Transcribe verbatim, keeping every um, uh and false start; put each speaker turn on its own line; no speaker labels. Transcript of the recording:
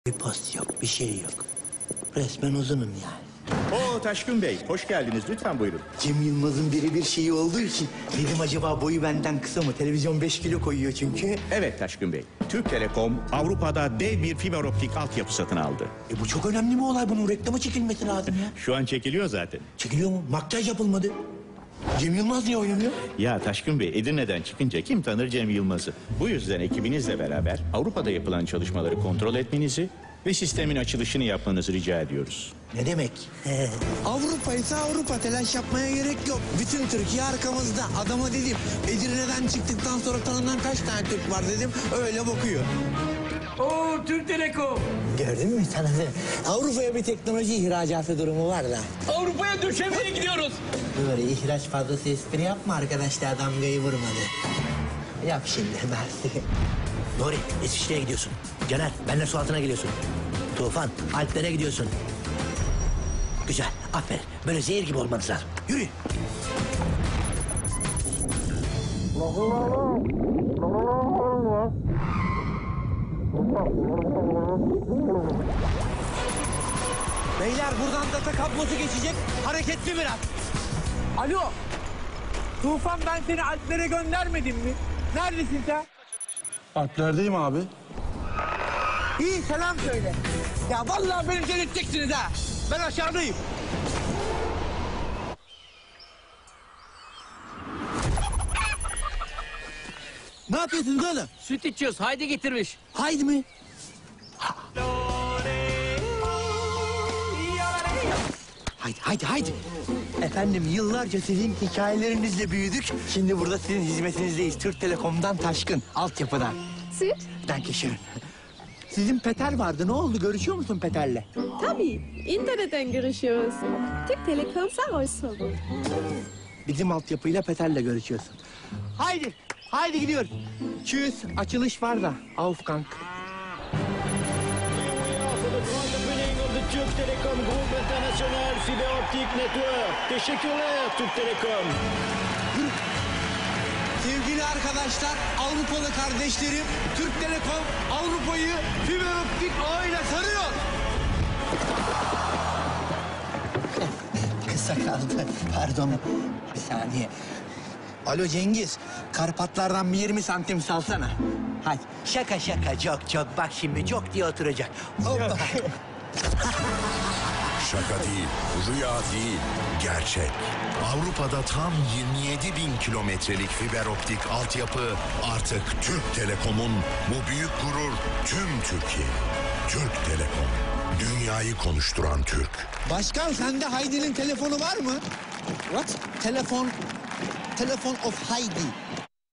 Bir post yok, bir şey yok. Resmen uzunum yani.
Oo Taşkın Bey, hoş geldiniz. Lütfen buyurun.
Cem Yılmaz'ın birebir şeyi olduğu için dedim acaba boyu benden kısa mı? Televizyon beş kilo koyuyor çünkü.
Evet Taşkın Bey, Türk Telekom Avrupa'da dev bir fiber optik altyapı satın aldı.
E bu çok önemli bir olay. Bunun reklama çekilmesi lazım ya.
Şu an çekiliyor zaten.
Çekiliyor mu? Makyaj yapılmadı. Cem Yılmaz niye oynamıyor?
Ya Taşkın Bey, Edirne'den çıkınca kim tanır Cem Yılmaz'ı? Bu yüzden ekibinizle beraber Avrupa'da yapılan çalışmaları kontrol etmenizi ve sistemin açılışını yapmanızı rica ediyoruz.
Ne demek?
Avrupa ise Avrupa, telaş yapmaya gerek yok. Bütün Türkiye arkamızda. Adama dedim, Edirne'den çıktıktan sonra tanınan kaç tane Türk var dedim, öyle bakıyor.
Oo, Türk Telekom.
Gördün mü sana da? Avrupa'ya bir teknoloji ihracatı durumu var da.
Avrupa'ya döşemeye gidiyoruz.
Böyle ihraç fazlası espri yapma, arkadaşlar damgayı vurmadı. Yap şimdi Mersi. Nuri, İsviçre'ye gidiyorsun. Caner, benimle su altına geliyorsun. Tufan, Alplere gidiyorsun. Güzel, aferin. Böyle zehir gibi olmanız lazım. Yürü.
Beyler buradan data kablosu geçecek, hareketli biraz.
Alo. Tufan, ben seni Alplere göndermedim mi? Neredesin sen?
Alplerdeyim abi.
İyi, selam söyle. Ya vallahi beni delirteceksiniz ha. Ben aşağıdayım.
Ne yapıyorsunuz oğlum?
Süt içiyoruz. Haydi getirmiş.
Haydi mi?
Haydi, haydi, haydi. Efendim, yıllarca sizin hikayelerinizle büyüdük. Şimdi burada sizin hizmetinizdeyiz. Türk Telekom'dan Taşkın, altyapıdan.
Süt?
Dankeschön. Sizin Peter vardı. Ne oldu? Görüşüyor musun Peter'le?
Tabii. İnternetten görüşüyoruz. Türk Telekom Sarısoğlu.
Bizim altyapıyla Peter'le görüşüyorsun. Haydi, haydi gidiyoruz. Tschüss. Açılış var da. Auf Gang.
Türk Telekom Grup International Fiber Optik Network. Teşekkürler Türk Telekom.
Sevgili arkadaşlar, Avrupalı kardeşlerim, Türk Telekom Avrupa'yı fiber optik ağıyla sarıyor.
Kısa kaldı. Pardon. Bir saniye. Alo Cengiz. Karpatlardan bir yirmi santim salsana. Hadi. Şaka şaka. Çok çok. Bak şimdi çok diye oturacak. Hoppa.
Şaka değil, rüya değil, gerçek. Avrupa'da tam yirmi yedi bin kilometrelik fiber optik altyapı artık Türk Telekom'un. Bu büyük gurur tüm Türkiye. Türk Telekom, dünyayı konuşturan Türk.
Başkan, sende Haydi'nin telefonu var mı?
What? Telefon. Telefon of Heidi.